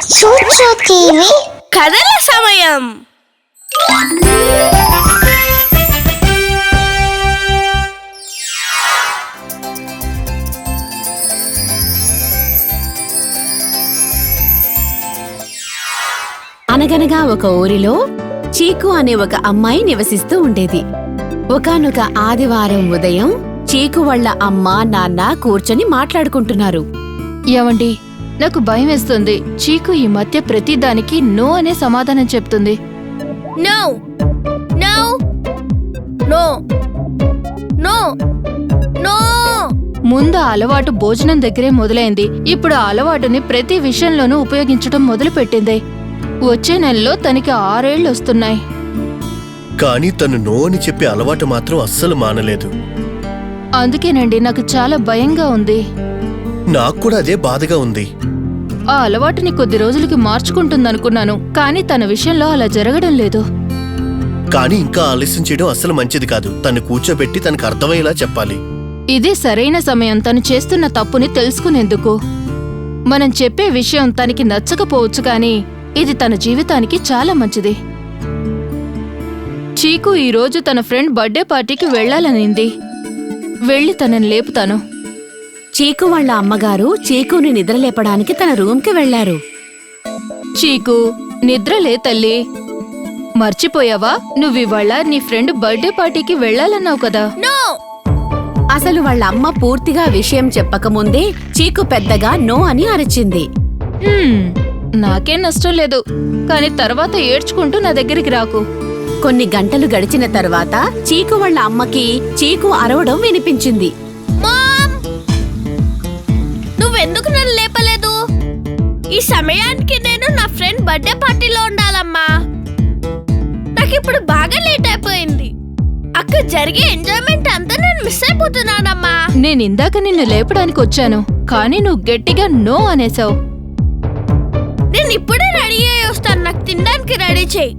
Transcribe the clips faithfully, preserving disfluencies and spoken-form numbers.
చూచు టీవీ కథల సమయం. అనగనగా ఒక ఊరిలో చీకు అనే ఒక అమ్మాయి నివసిస్తూ ఉండేది. ఒకానొక ఆదివారం ఉదయం చీకు వాళ్ళ అమ్మ నాన్న కూర్చొని మాట్లాడుకుంటున్నారు. ఏవండి, నాకు భయం వేస్తుంది. చీకు ఈ మధ్య ప్రతిదానికి నో అనే సమాధానం చెప్తుంది. No no no no no ముందు ఆ అలవాటు భోజనం దగ్గరే మొదలైంది. ఇప్పుడు ఆ అలవాటుని ప్రతి విషయంలోనూ ఉపయోగించడం మొదలుపెట్టింది. వచ్చే నెలలో తనకి ఆరేళ్లు వస్తున్నాయి. కానీ తను నో అని చెప్పే అలవాటు మాత్రం అస్సలు మానలేదు. అందుకేనండి నాకు చాలా భయంగా ఉంది. నాకు కూడా అదే బాధగా ఉంది. ఆ అలవాటుని కొద్ది రోజులకి మార్చుకుంటుందనుకున్నాను, కానీ తన విషయంలో అలా జరగడం లేదు. కానీ ఇంకా ఆలస్యం చేయడం అస్సలు మంచిది కాదు. తను కూర్చోబెట్టి తనకు అర్థమయ్యేలా చెప్పాలి. ఇదే సరైన సమయం తను చేస్తున్న తప్పుని తెలుసుకునేందుకు. మనం చెప్పే విషయం తనకి నచ్చకపోవచ్చు, కానీ ఇది తన జీవితానికి చాలా మంచిది. చీకు ఈరోజు తన ఫ్రెండ్ బర్త్డే పార్టీకి వెళ్లాలనింది. వెళ్లి తనని లేపుతాను. చీకు వాళ్ళ అమ్మగారు చీకుని నిద్రలేపడానికి తన రూమ్కి వెళ్లారు. చీకు, నిద్రలే తల్లి. మర్చిపోయావా? నువ్వివాళ నీ ఫ్రెండ్ బర్త్డే పార్టీకి వెళ్లాలన్నావు కదా. నో అసలు వాళ్ళ అమ్మ పూర్తిగా విషయం చెప్పకముందే చీకు పెద్దగా నో అని అరిచింది. హ్మ్, నాకేం నష్టం లేదు, కానీ తర్వాత ఏడ్చుకుంటూ నా దగ్గరికి రాకు. కొన్ని గంటలు గడిచిన తర్వాత చీకు వాళ్ళ అమ్మకి చీకు అరవడం వినిపించింది. మామ్, నువ్వెందుకు నన్ను లేపలేదు? ఈ సమయానికి నేను నా ఫ్రెండ్ బర్త్డే పార్టీలో ఉండాలమ్మా. నాకిప్పుడు బాగా లేట్ అయిపోయింది. అక్కడ జరిగే ఎంజాయ్మెంట్ అంతా నేను మిస్ అయిపోతున్నానమ్మా. నేనిందాక నిన్ను లేపడానికి వచ్చాను, కానీ నువ్వు గట్టిగా నో అనేసావు. నేను ఇప్పుడే రెడీ అయ్యి వస్తాను. నాకు తినడానికి రెడీ చేయి.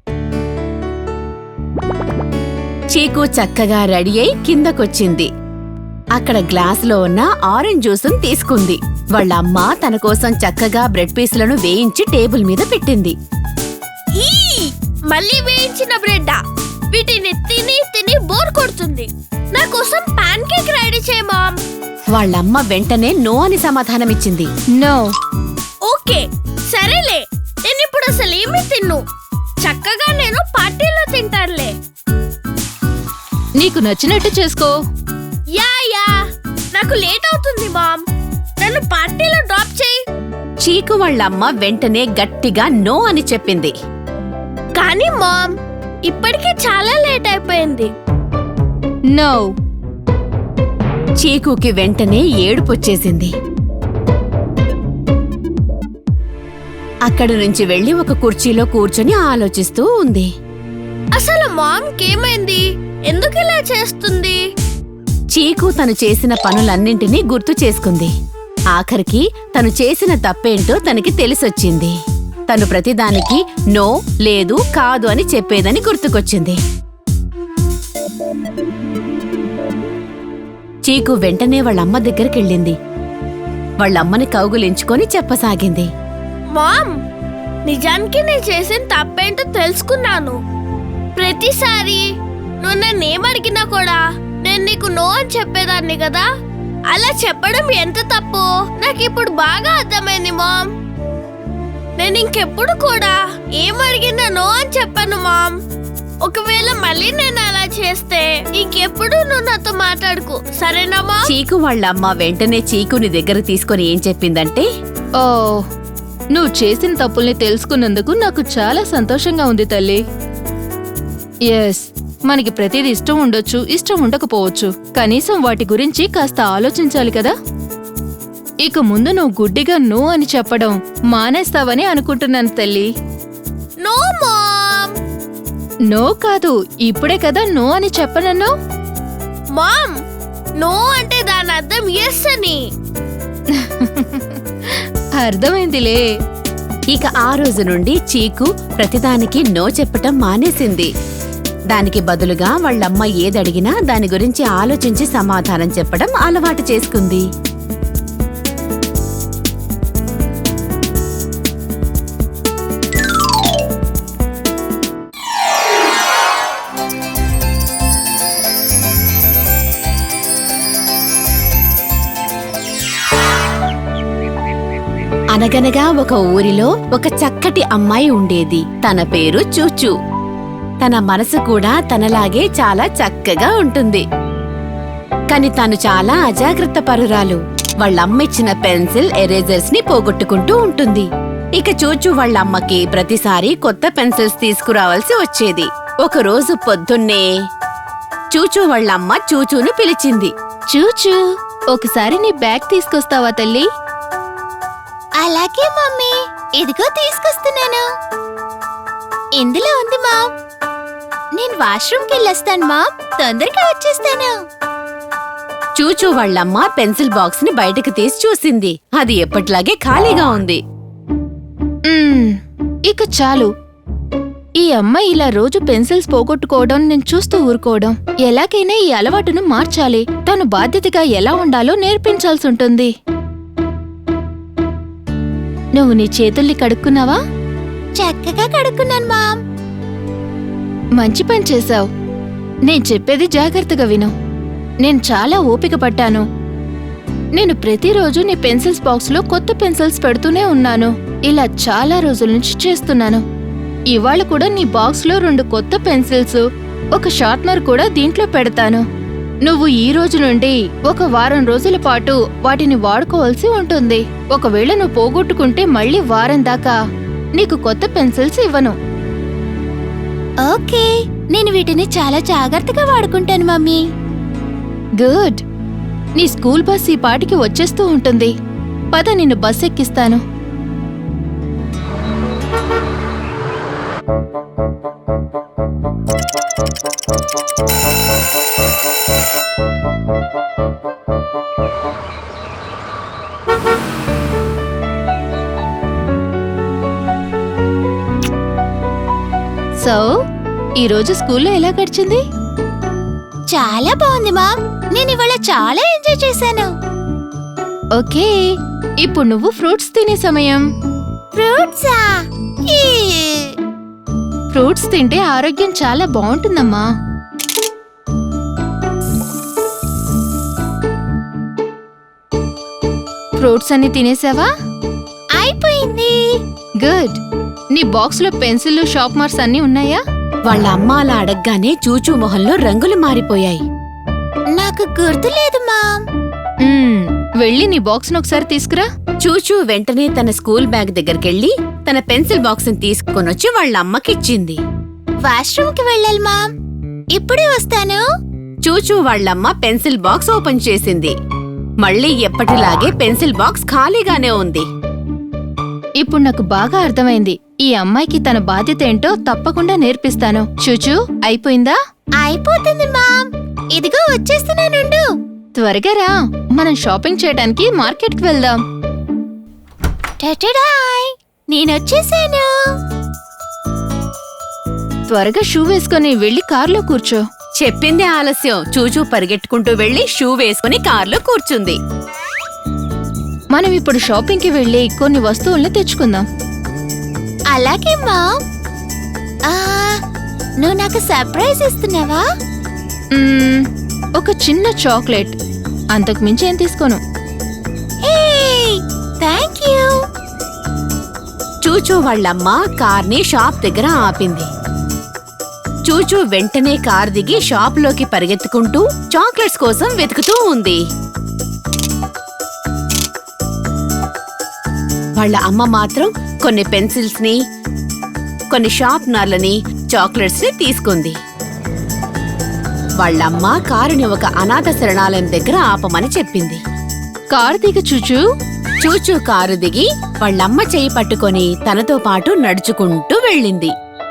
చీకు చక్కగా రెడీ అయి కిందకొచ్చింది. అక్కడ గ్లాసులో ఉన్న ఆరెంజ్ జ్యూసును తీసుకుంది. వాళ్ళ అమ్మ తన కోసం చక్కగా బ్రెడ్ పీసులను వేయించి టేబుల్ మీద పెట్టింది. ఈ మళ్ళీ వేయించిన బ్రెడ్. వీటిని తిని తిని బోర్ కొడుతుంది. నా కోసం పాన్ కేక్ రెడీ చేయి మామ్. వాళ్ళమ్మ వెంటనే నో అని సమాధానమిచ్చింది. నో. ఓకే, సరేలే. నేను ఇప్పుడు అసలు ఏమీ తిన్ను. చక్కగా నేను పార్టీలో తింటానులే. నీకు నచ్చినట్టు చేసుకో. యా యా నాకు లేట్ అవుతుంది మామ్. నన్ను పార్టీలో డ్రాప్ చేయి. చీకు వాళ్ళమ్మ వెంటనే గట్టిగా నో అని చెప్పింది. కానీ మామ్, ఇప్పటికే చాలా లేట్ అయిపోయింది. నో. చీకుకి వెంటనే ఏడుపొచ్చేసింది. అక్కడి నుంచి వెళ్లి ఒక కుర్చీలో కూర్చొని ఆలోచిస్తూ ఉంది. అసలు మామ్కి ఏమైంది? ఎందుకు ఇలా చేస్తుంది? చీకు తను చేసిన పనులన్నింటినీ గుర్తు చేసుకుంది. ఆఖరికి తను చేసిన తప్పేంటో తనకి తెలిసొచ్చింది. తను ప్రతిదానికి నో, లేదు, కాదు అని చెప్పేదని గుర్తుకొచ్చింది. చీకు వెంటనే వాళ్ళమ్మ దగ్గరికెళ్ళింది. వాళ్ళమ్మని కౌగులించుకొని చెప్పసాగింది. మామ్, నిజానికి నేను చేసిన తప్పేంటో తెలుసుకున్నాను. ప్రతిసారి నువ్వు నన్ను ఏమడిగినా కూడా నేను నీకు నో అని చెప్పేదాన్ని కదా. అలా చెప్పడం ఎంత తప్పు నాకు ఇప్పుడు బాగా అర్థమైంది మామ్. నేను ఇంకెప్పుడు కూడా ఏమడిగినా నో అని చెప్పాను మామ్. ఒకవేళ మళ్ళీ నేను అలా చేస్తే ఇంకెప్పుడు నువ్వు నాతో మాట్లాడుకు, సరేనా మామ్? చీకు వాళ్ళమ్మ వెంటనే చీకుని దగ్గర తీసుకొని ఏం చెప్పిందంటే, ఓ, నువ్వు చేసిన తప్పుల్ని తెలుసుకున్నందుకు నాకు చాలా సంతోషంగా ఉంది తల్లి. ఎస్, మనకి ప్రతిదీ ఇష్టం ఉండొచ్చు, ఇష్టం ఉండకపోవచ్చు. కనీసం వాటి గురించి కాస్త ఆలోచించాలి కదా. ఇక ముందు నువ్వు గుడ్డిగా నో అని చెప్పడం మానేస్తావని అనుకుంటున్నాను తల్లి. No ma'am. నో కాదు, ఇప్పుడే కదా నో అని చెప్పనన్నావు. మామ్, నో అంటే దాని అర్థం ఎస్ అని. అర్థమైందిలే. ఇక ఆ రోజు నుండి చీకు ప్రతిదానికి నో చెప్పటం మానేసింది. దానికి బదులుగా వాళ్ళమ్మ ఏదడిగినా దాని గురించి ఆలోచించి సమాధానం చెప్పడం అలవాటు చేసుకుంది. అనగనగా ఒక ఊరిలో ఒక చక్కటి అమ్మాయి ఉండేది. తన పేరు చూచూ. తన మనసు కూడా తనలాగే చాలా చక్కగా ఉంటుంది. కాని తను చాలా అజాగ్రత్త పరురాలు. వాళ్ళమ్మిచ్చిన పెన్సిల్ ఎరేజర్స్ ని పోగొట్టుకుంటూ ఉంటుంది. ఇక చూచూ వాళ్ళమ్మకి ప్రతిసారి కొత్త పెన్సిల్స్ తీసుకురావాల్సి వచ్చేది. ఒకరోజు పొద్దున్నే చూచూ వాళ్ళమ్మ చూచూను పిలిచింది. చూచూ, ఒకసారి నీ బ్యాగ్ తీసుకొస్తావా తల్లి? అలాగే మమ్మీ, ఇదిగో తీసుకొస్తున్నాను. ఇందులో ఉంది మామ్. నేను వాష్రూమ్కి వెళ్ళొస్తాను మామ్, తొందరగా వచ్చేస్తాను. చూచూ వాళ్ళమ్మ పెన్సిల్ బాక్స్ ని బయటకు తీసి చూసింది. అది ఎప్పట్లాగే ఖాళీగా ఉంది. మ్మ్, ఇక చాలు. ఈ అమ్మాయి ఇలా రోజు పెన్సిల్స్ పోగొట్టుకోవడం నేను చూస్తూ ఊరుకోవడం. ఎలాగైనా ఈ అలవాటును మార్చాలి. తను బాధ్యతగా ఎలా ఉండాలో నేర్పించాల్సి ఉంటుంది. నువ్వు నీ చేతుల్ని కడుక్కున్నావా? చక్కగా కడుక్కున్నాను మామ్. మంచి పని చేశావు. నేను చెప్పేది జాగ్రత్తగా విను. నేను చాలా ఓపిక పట్టాను. నేను ప్రతిరోజు నీ పెన్సిల్స్ బాక్స్లో కొత్త పెన్సిల్స్ పెడుతూనే ఉన్నాను. ఇలా చాలా రోజుల నుంచి చేస్తున్నాను. ఇవాళ కూడా నీ బాక్స్లో రెండు కొత్త పెన్సిల్స్, ఒక షార్ప్నర్ కూడా దీంట్లో పెడతాను. నువ్వు ఈ రోజు నుండి ఒక వారం రోజుల పాటు వాటిని వాడుకోవాల్సి ఉంటుంది. ఒకవేళ నువ్వు పోగొట్టుకుంటే మళ్ళీ వారం దాకా నీకు కొత్త పెన్సిల్స్ ఇవ్వను. ఓకే, నేను వీటిని చాలా జాగ్రత్తగా వాడుకుంటాను మమ్మీ. గుడ్. నీ స్కూల్ బస్ ఈ పాటికి వచ్చేస్తూ ఉంటుంది. పద, నిన్ను బస్ ఎక్కిస్తాను. సో ఈరోజు స్కూల్లో ఎలా గడిచింది? చాలా బాగుంది మామ్. నేను ఇవాళ చాలా ఎంజాయ్ చేశాను. ఓకే, ఇప్పుడు నువ్వు ఫ్రూట్స్ తినే సమయం. ఫ్రూట్సా? ఈ ఫ్రూట్స్ తింటే ఆరోగ్యం చాలా బాగుంటుందమ్మా. ఫ్రూట్స్ అన్ని తినేసావా? అయిపోయింది. గుడ్. నీ బాక్స్లో పెన్సిల్, షార్ప్నర్స్ అన్నీ ఉన్నాయా? వాళ్ళ అమ్మ అలా అడగ్గానే చూచూ మొహంలో రంగులు మారిపోయాయి. నాకు గుర్తులేదు మామ్. మ్మ్, వెళ్ళి నీ బాక్స్ను ఒకసారి తీసుకురా. చూచూ వెంటనే తన స్కూల్ బ్యాగ్ దగ్గరికెళ్లి తన పెన్సిల్ బాక్స్ ని తీసుకొనొచ్చి వాళ్ళ అమ్మకిచ్చింది. వాష్రూమ్కి వెళ్ళాలి మామ్, ఇప్పుడే వస్తాను. చూచూ వాళ్ళమ్మ పెన్సిల్ బాక్స్ ఓపెన్ చేసింది. మళ్ళీ ఎప్పటిలాగే పెన్సిల్ బాక్స్ ఖాళీగానే ఉంది. ఇప్పుడు నాకు బాగా అర్థమైంది. ఈ అమ్మాయికి తన బాధ్యత ఏంటో తప్పకుండా నేర్పిస్తాను. చూచూ, అయిపోయిందా? అయిపోతుంది మామ్, ఇదిగో వచ్చేస్తున్నానుండు. త్వరగా రా, మనం షాపింగ్ చేయడానికి మార్కెట్కి వెళ్దాం. టటడాయ్, నేనొచ్చేసాను. త్వరగా షూ వేసుకొని వెళ్ళి కార్లో కూర్చో. చెప్పింది ఆలస్యం. చూచూ పరిగెట్టుకుంటూ వెళ్లి షూ వేసుకుని కార్లో కూర్చుంది. మనం ఇప్పుడు షాపింగ్కి వెళ్ళి కొన్ని వస్తువుల్ని తెచ్చుకుందాం. అలాగే మామ్. ఆ, నువ్వు నాకు సర్ప్రైజ్ ఇస్తున్నావా? మ్మ్, ఒక చిన్న చాక్లెట్. అంతకు మించి ఏం తీసుకోను. Thank you. చూచూ వాళ్ళమ్మ కార్ని షాప్ దగ్గర ఆపింది. చూచూ వెంటనే కార్ దిగి షాప్లోకి పరిగెత్తుకుంటూ చాక్లెట్స్ కోసం వెతుకుతూ ఉంది. వాళ్ళ అమ్మ మాత్రం కొన్ని పెన్సిల్స్ ని, కొన్ని షార్ప్నర్లని, చాక్లెట్స్ ని తీసుకుంది. వాళ్ళమ్మ కారుని ఒక అనాథ శరణాలయం దగ్గర ఆపమని చెప్పింది. కారు దిగ చూచూ. చూచూ కారు దిగి వాళ్ళమ్మ చెయ్యి పట్టుకొని తనతో పాటు నడుచుకుంటూ వెళ్ళింది.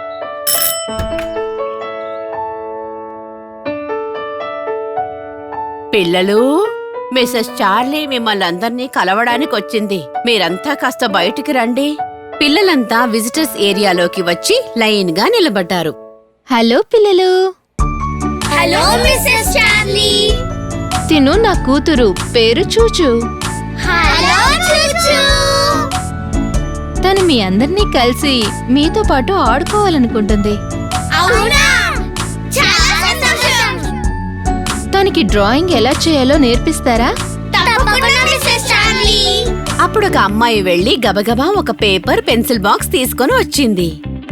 పిల్లలు, మిసెస్ చార్లీ మిమ్మల్ని అందర్నీ కలవడానికి వచ్చింది. మీరంతా కాస్త బయటికి రండి. పిల్లలంతా విజిటర్స్ ఏరియాలోకి వచ్చి లైన్ గా నిలబడ్డారు. హలో పిల్లలు. Hello Mrs Charlie. తిను నా కూతురు, పేరు చూచూ. హలో చూచూ. తను మీ అందరినీ కలిసి మీతో పాటు ఆడుకోవాలనుకుంటుంది. అవునా? చాలా సంతోషం. తనకి డ్రాయింగ్ ఎలా చేయాలో నేర్పిస్తారా? తప్పకుండా మిసెస్ చార్లీ. ఆ అప్పుడు ఒక అమ్మాయి వెళ్లి గబగబా ఒక పేపర్ పెన్సిల్ బాక్స్ తీసుకొని వచ్చింది.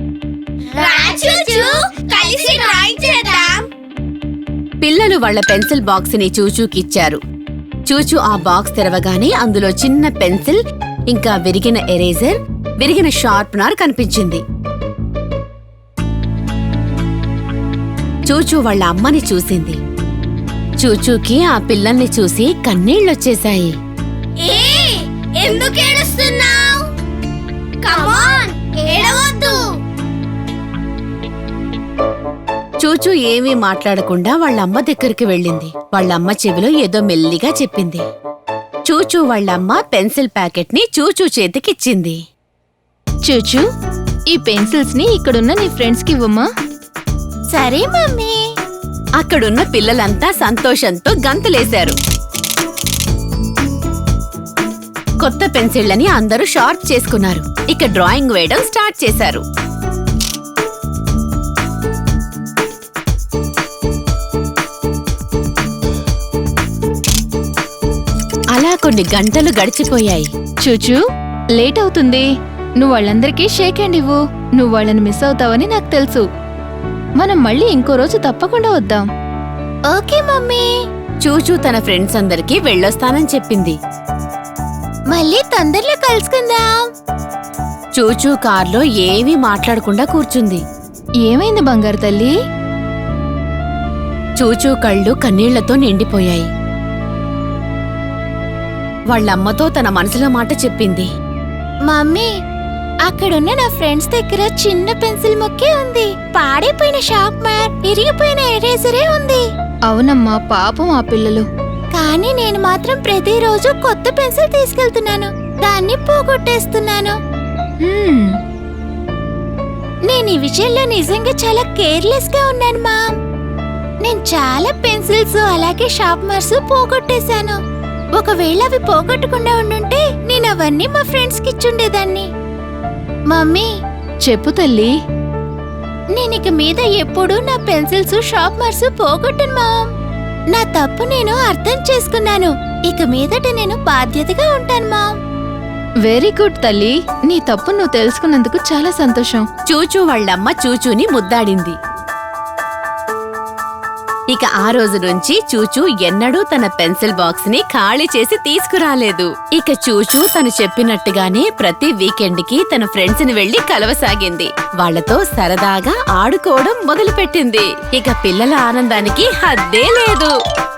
పిల్లలు వాళ్ళ పెన్సిల్ బాక్స్ ని చూచూకిచ్చారు. చూచూ ఆ బాక్స్ తెరవగానే అందులో చిన్న పెన్సిల్, ఇంకా విరిగిన ఎరేజర్, విరిగిన షార్ప్నర్ కనిపించింది. చూచూ వాళ్ళ అమ్మని చూసింది. చూచూకి ఆ పిల్లల్ని చూసి కన్నీళ్లొచ్చేశాయి. ఎందుకు ఏడుస్తున్నావ్? కమాన్, ఏడవద్దు. చూచూ ఏమీ మాట్లాడకుండా వాళ్ళమ్మ దగ్గరికి వెళ్ళింది. వాళ్ళమ్మ చెవిలో ఏదో మెల్లిగా చెప్పింది. చూచూ వాళ్ళమ్మ పెన్సిల్ ప్యాకెట్ ని చూచూ చేతికిచ్చింది. చూచూ, ఈ పెన్సిల్స్ ని ఇక్కడున్న నీ ఫ్రెండ్స్ కి ఇవ్వమ్మా. సరే మమ్మీ. అక్కడున్న పిల్లలంతా సంతోషంతో గంతులేశారు. కొత్త పెన్సిళ్లని అందరూ షార్ప్ చేసుకున్నారు. ఇక డ్రాయింగ్ వేయడం స్టార్ట్ చేశారు. అలా కొన్ని గంటలు గడిచిపోయాయి. చూచూ, లేట్ అవుతుంది. నువ్వు వాళ్ళందరికీ షేక్ హ్యాండ్ ఇవ్వు. నువ్వు వాళ్ళని మిస్ అవుతావని నాకు తెలుసు. మనం మళ్ళీ ఇంకో రోజు తప్పకుండా వద్దాం. Okay mummy. చూచూ తన ఫ్రెండ్స్ అందరికీ వెళ్ళొస్తానని చెప్పింది. మళ్ళీ తొందరలో కలుసుకుందాం. చూచూ కార్లో ఏమీ మాట్లాడకుండా కూర్చుంది. ఏమైంది బంగారు తల్లి? చూచూ కళ్ళు కన్నీళ్లతో నిండిపోయాయి. వాళ్ళమ్మతో తన మనసులో మాట చెప్పింది. మమ్మీ, అక్కడున్న నా ఫ్రెండ్స్ దగ్గర చిన్న పెన్సిల్ ముక్కే ఉంది. పాడైపోయిన షార్ప్నర్, ఇరిగిపోయిన ఎరేజరే ఉంది. అవునమ్మా, పాపం ఆ పిల్లలు. కానీ నేను మాత్రం ప్రతిరోజు కొత్త పెన్సిల్ తీసుకెళ్తున్నాను. దాన్ని పోగొట్టేస్తున్నాను. హ్మ్, నేను ఈ విషయంలో నిజంగా చాలా కేర్లెస్ గా ఉన్నాను మామ్. నేను చాలా పెన్సిల్స్ అలాగే షార్ప్నర్స్ పోగొట్టేశాను. ఒకవేళ అవి పోగొట్టకుండా ఉండుంటే నేను అవన్నీ మా ఫ్రెండ్స్ కి ఇచ్చుండేదాన్ని. మమ్మీ, చెప్పు తల్లి. నేనిక మీద ఎప్పుడూ నా పెన్సిల్స్ షార్ప్నర్స్ పోగొట్టను మామ్. నా తప్పు నేను అర్థం చేసుకున్నాను. ఇక మీదట నేను బాధ్యతగా ఉంటాను మామ్. వెరీ గుడ్ తల్లి. నీ తప్పు నువ్వు తెలుసుకున్నందుకు చాలా సంతోషం. చూచూ వాళ్ళమ్మ చూచూని ముద్దాడింది. ఇక ఆ రోజు నుంచి చూచూ ఎన్నడూ తన పెన్సిల్ బాక్స్ ని ఖాళీ చేసి తీసుకురాలేదు. ఇక చూచూ తను చెప్పినట్టుగానే ప్రతి వీకెండ్ కి తన ఫ్రెండ్స్ ని వెళ్లి కలవసాగింది. వాళ్లతో సరదాగా ఆడుకోవడం మొదలుపెట్టింది. ఇక పిల్లల ఆనందానికి హద్దే లేదు.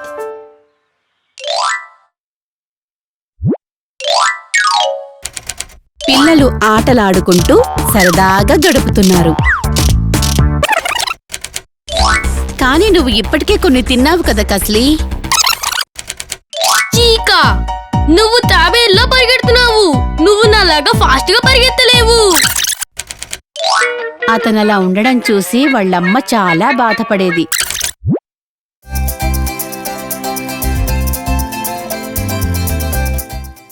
పిల్లలు ఆటలాడుకుంటూ సరదాగా గడుపుతున్నారు. కానీ నువ్వు ఇప్పటికే కొన్ని తిన్నావు కదా కస్లీ. చీకా, నువ్వు తాబేల్లో పరిగెడుతున్నావు. నువ్వు నాలాగా ఫాస్ట్ గా పరిగెత్తలేవు. అతనలా ఉండడం చూసి వాళ్ళమ్మ చాలా బాధపడేది.